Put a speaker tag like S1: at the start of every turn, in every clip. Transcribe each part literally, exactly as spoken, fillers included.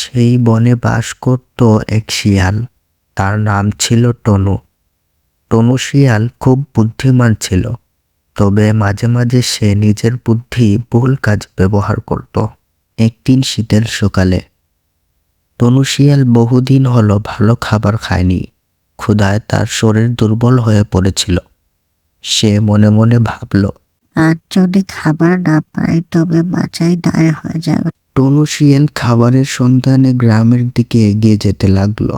S1: সেই বনে বাস করত এক শিয়াল। তার নাম ছিল টনু। টনু শিয়াল খুব বুদ্ধিমান ছিল, তবে মাঝে মাঝে সে নিজের বুদ্ধি ভুল কাজ ব্যবহার করত। একদিন শীতের সকালে টনু শিয়াল বহুদিন হলো ভালো খাবার খায়নি। ক্ষুধায় তার শরীর দুর্বল হয়ে পড়েছিল। সে মনে মনে ভাবল,
S2: আর যদি খাবার না পাই তবে বাঁচাই দায় হয়ে যাবে।
S1: টনু শিয়াল খাবারের সন্ধানে গ্রামের দিকে এগিয়ে যেতে লাগলো।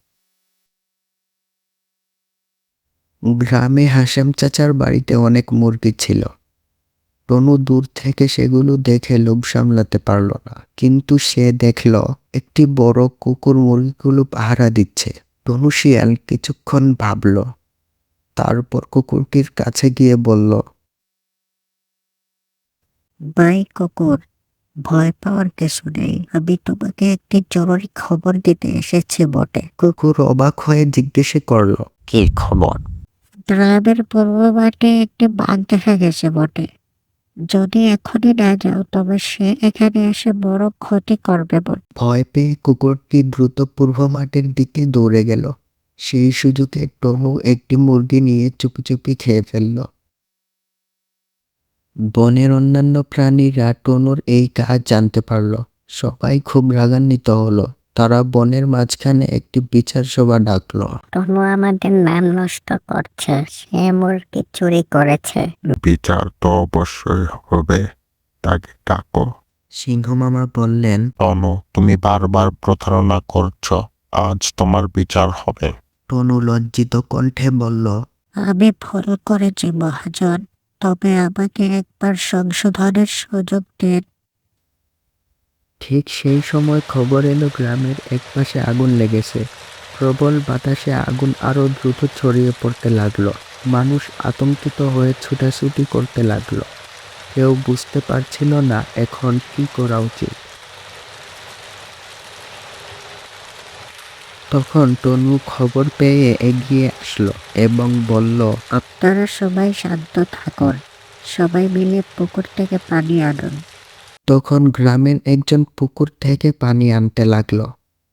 S1: গ্রামে হাশেম চাচার বাড়িতে অনেক মুরগি ছিল। টনু দূর থেকে সেগুলো দেখে লোভ সামলাতে পারল না, কিন্তু সে দেখল একটি বড় কুকুর মুরগিগুলো পাহারা দিচ্ছে। টনু শিয়াল কিছুক্ষণ ভাবল, তারপর কুকুরটির কাছে গিয়ে বলল,
S2: ভাই কুকুর, ভয় পাওয়ার কিছু নেই। আমি তোমাকে একটি জরুরি খবর দিতে এসেছি বটে।
S1: কুকুর অবাক হয়ে জিজ্ঞেস করল, কি খবর?
S2: গ্রামের পূর্ব মাঠে একটি বাঘ দেখা গেছে বটে। যদি এখনই না যাও তবে সে এখানে এসে বড় ক্ষতি করবে বটে।
S1: ভয় পেয়ে কুকুরটি দ্রুত পূর্ব মাঠের দিকে দৌড়ে গেল। সেই সুযোগে টনু একটি মুরগি নিয়ে চুপি চুপি খেয়ে ফেলল। বনের অন্যান্য প্রাণীরা টনুর এই কাজ জানতে পারল। সবাই খুব রাগান্বিত হলো। তারা বনের মাঝখানে একটি বিচার সভা ডাকলো।
S2: টনু আমাদের নাম নষ্ট করছে, সে মুরগি চুরি করেছে।
S3: বিচার তো অবশ্যই হবে, তাকে ডাকো।
S1: সিংহ মামা বললেন,
S3: টনু, তুমি বারবার প্রতারণা করছো, আজ তোমার বিচার হবে।
S1: টনু লজ্জিত কণ্ঠে বলল,
S2: আমি ভুল করেছি মহাজন, তবে আমাকে একবার সংশোধনের সুযোগ দিন।
S1: ঠিক সেই সময় খবর এলো গ্রামের একপাশে আগুন লেগেছে। প্রবল বাতাসে আগুন আরো দ্রুত ছড়িয়ে পড়তে লাগলো। মানুষ আতঙ্কিত হয়ে ছুটাছুটি করতে লাগলো। কেউ বুঝতে পারছিল না এখন কি করা উচিত। তখন টনু খবর পেয়ে এগিয়ে আসলো এবং বলল,
S2: আপনারা সবাই শান্ত থাকুন, সবাই মিলে পুকুর থেকে পানি আনুন।
S1: তখন গ্রামের একজন পুকুর থেকে পানি আনতে লাগলো।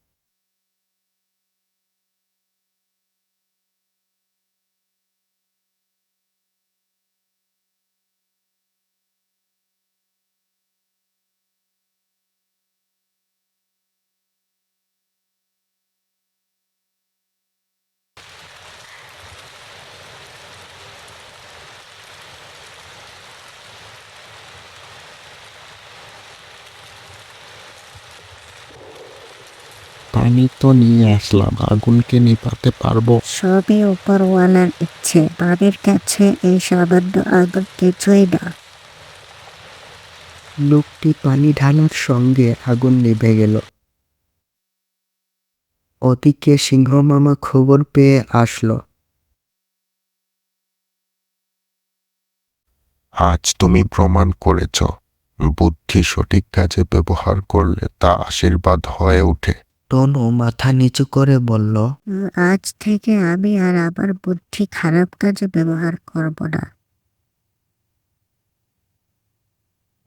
S3: পানি তো নিয়ে আসলাম, আগুনকে নিভাতে পারবো?
S2: সবই উপরওয়ালার ইচ্ছে, পানির কাছে এই সামান্য আগুন কিছুই না।
S1: লোকটি পানি ঢালার সঙ্গে আগুন নিভে গেল। ওদিকে সিংহ মামা খবর পেয়ে আসলো।
S3: আজ তুমি প্রমাণ করেছ, বুদ্ধি সঠিক কাজে ব্যবহার করলে তা আশীর্বাদ হয়ে ওঠে।
S1: টনু মাথা নিচু করে বলল,
S2: আজ থেকে আমি আর আমার বুদ্ধি খারাপ কাজে ব্যবহার করব না।